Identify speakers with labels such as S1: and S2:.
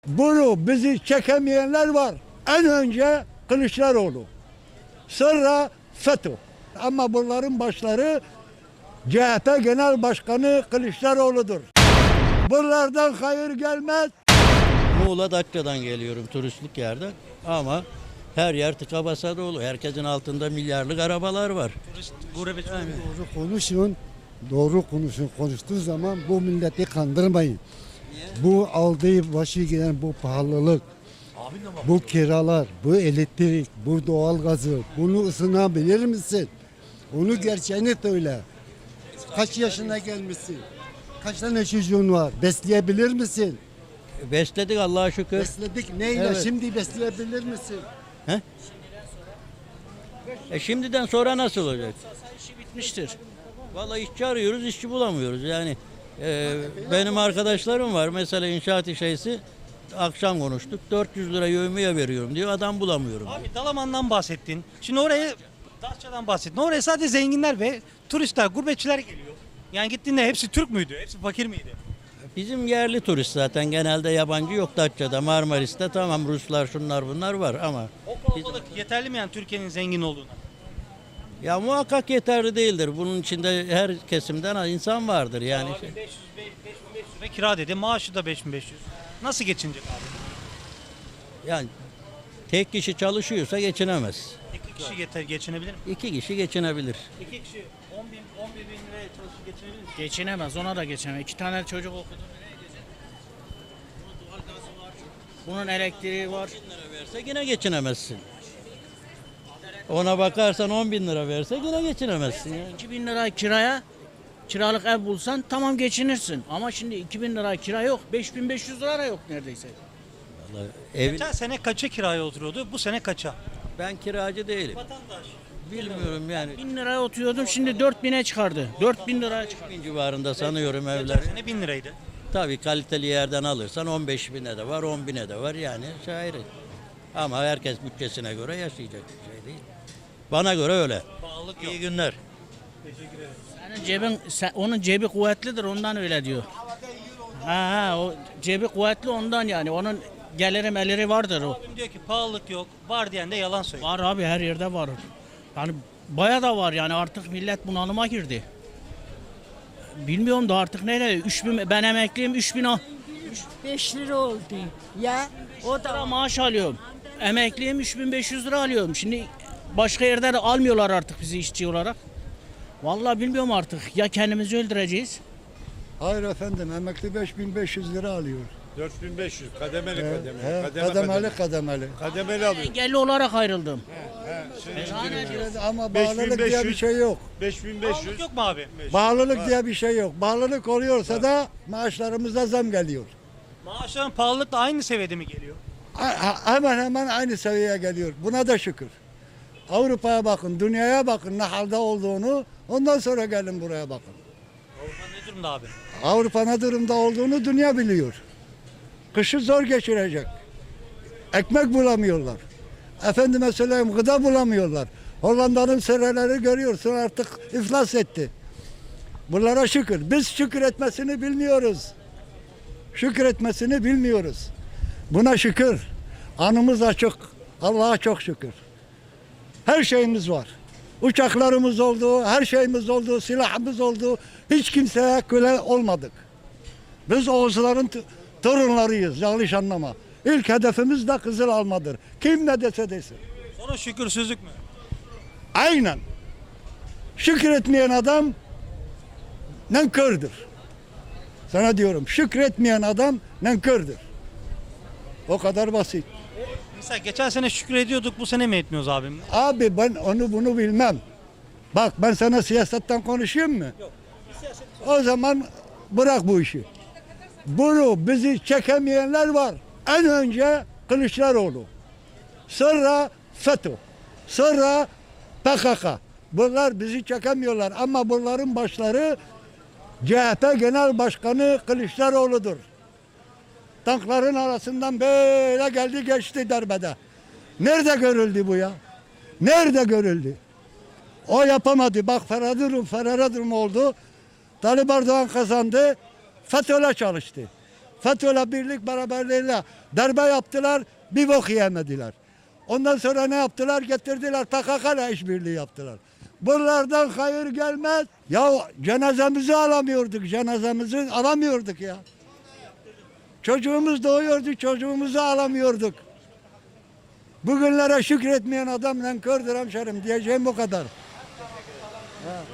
S1: Bunu bizi çekemeyenler var. En önce Kılıçdaroğlu. Sonra FETÖ. Ama bunların başları CHP Genel Başkanı Kılıçdaroğlu'dur. Bunlardan hayır gelmez.
S2: Muğla Datça'dan geliyorum turistlik yerden ama her yer tıka basa dolu. Herkesin altında milyarlık arabalar var.
S3: Doğru konuşun. Doğru konuşun. Konuştuğu zaman bu milleti kandırmayın. Bu aldığı başı giden bu pahalılık, bu kiralar, bu elektrik, bu doğalgazı, bunu ısınabilir misin? Onu gerçeğini söyle. Kaç yaşına gelmişsin? Kaç tane çocuğun var? Besleyebilir misin?
S2: Besledik Allah'a şükür.
S3: Besledik neyle?
S2: Evet.
S3: Şimdi besleyebilir misin?
S2: Şimdiden sonra nasıl olacak?
S4: İşi bitmiştir.
S2: Vallahi işçi arıyoruz, işçi bulamıyoruz. Yani benim arkadaşlarım var. Mesela inşaat işçisi akşam konuştuk. 400 lira yevmiye veriyorum diyor. Adam bulamıyorum.
S4: Abi Dalaman'dan bahsettin. Şimdi oraya Datça'dan bahsettin. Oraya sadece zenginler ve turistler, gurbetçiler geliyor. Yani gittiğinde hepsi Türk müydü? Hepsi fakir miydi?
S2: Bizim yerli turist zaten genelde yabancı yok Datça'da, Marmaris'te tamam Ruslar şunlar bunlar var ama
S4: O kalabalık yeterli mi yani Türkiye'nin zengin olduğuna?
S2: ya muhakkak yeterli değildir. Bunun içinde her kesimden insan vardır yani.
S4: Abi 500 ve kira dedi. Maaşı da 5500. Nasıl geçinecek abi?
S2: Yani tek kişi çalışıyorsa geçinemez.
S4: İki kişi geçinebilir mi?
S2: 2 kişi geçinebilir.
S4: İki kişi 11 bin liraya çalışıp geçinebilir mi?
S5: Geçinemez, ona da geçinemez. 2 tane çocuk okudu. Nereye geçecek? Bunun doğalgazı var. Bunun elektriği var.
S2: 1000 lira verse yine geçinemezsin. Ona bakarsan 10 bin lira verse yine geçinemezsin. Yani.
S5: 2000 lira kiraya kiralık ev bulsan tamam geçinirsin. Ama şimdi 2000 lira kira yok. 5500 lira da yok neredeyse.
S2: Vallahi evin,
S4: Geçen sene kaça kiraya oturuyordu? Bu sene kaça?
S2: ben kiracı değilim.
S4: Vatandaş.
S2: Bilmiyorum yani.
S5: 1000 liraya oturuyordum şimdi 4000'e çıkardı. 4000 liraya çıkardı.
S2: 1000 civarında sanıyorum
S4: Geçen
S2: evler.
S4: sene 1000 liraydı.
S2: Tabii kaliteli yerden alırsan 15 bine de var, 10 bine de var yani şairi. Ama herkes bütçesine göre yaşayacak bir şey değil. Bana göre öyle.
S4: Pahalılık yok.
S2: İyi günler.
S5: Onun cebi kuvvetlidir ondan öyle diyor. O cebi kuvvetli ondan yani. Onun geliri meliri vardır o.
S4: Abim diyor ki pahalılık yok. Var diyen de yalan söylüyor.
S5: Var abi her yerde var. Yani baya da var yani artık millet bunalıma girdi. Bilmiyorum da artık nereye? 3000 ben emekliyim 3000
S6: 5 lira oldu. Ya o
S5: lira
S6: da
S5: maaş alıyorum. Emekliyim 3500 lira alıyorum. Şimdi başka yerde de almıyorlar artık bizi işçi olarak. Vallahi bilmiyorum artık. Ya kendimizi öldüreceğiz.
S1: Hayır efendim, emekli 5500 lira alıyor.
S7: 4500 kademeli
S1: Kademeli.
S7: Kademeli alıyor.
S5: Engelli olarak ayrıldım.
S1: Ama bağlılık diye bir
S7: 5500.
S1: şey yok.
S7: 5500.
S4: Pahalılık yok mu abi?
S1: Bağlılık diye bir şey yok. Bağlılık oluyorsa da maaşlarımıza zam geliyor.
S4: Maaşların pahalılıkla aynı seviyede mi geliyor?
S1: Hemen hemen aynı seviyeye geliyor. Buna da şükür. Avrupa'ya bakın, dünyaya bakın ne halde olduğunu. Ondan sonra gelin buraya bakın.
S4: Avrupa ne durumda abi?
S1: Avrupa ne durumda olduğunu dünya biliyor. Kışı zor geçirecek. Ekmek bulamıyorlar. Efendime söyleyeyim gıda bulamıyorlar. Hollanda'nın sereleri görüyorsun artık iflas etti. Bunlara şükür. Biz şükür etmesini bilmiyoruz. Şükür etmesini bilmiyoruz. Buna şükür. Anımız açık. Allah'a çok şükür. Her şeyimiz var. Uçaklarımız oldu, her şeyimiz oldu, silahımız oldu. Hiç kimseye köle olmadık. Biz Oğuzların torunlarıyız, yanlış anlama. İlk hedefimiz de Kızıl Almadır. Kim ne dese desin.
S4: Sonra şükürsüzlük mü?
S1: Aynen. Şükür etmeyen adam nankördür. Sana diyorum, şükretmeyen adam nankördür. O kadar basit.
S4: Mesela geçen sene şükür ediyorduk, bu sene mi etmiyoruz abim?
S1: Abi ben onu bunu bilmem. Bak ben sana siyasetten konuşayım mı? Yok. O zaman bırak bu işi. Bunu bizi çekemeyenler var. En önce Kılıçdaroğlu. Sonra FETÖ. Sonra PKK. Bunlar bizi çekemiyorlar ama bunların başları CHP Genel Başkanı Kılıçdaroğlu'dur. Tankların arasından böyle geldi geçti darbede. Nerede görüldü bu ya? Nerede görüldü? O yapamadı. Bak Ferhat Durum oldu. Talip Erdoğan kazandı. FETÖ'yle çalıştı. FETÖ'yle birlik beraberliğiyle darbe yaptılar, bir bok yiyemediler. Ondan sonra ne yaptılar? Getirdiler PKK'la işbirliği yaptılar. Bunlardan hayır gelmez. Ya cenazemizi alamıyorduk ya. Çocuğumuz doğuyordu, çocuğumuzu alamıyorduk. Bugünlere şükretmeyen adam nankördür hemşerim, diyeceğim bu kadar.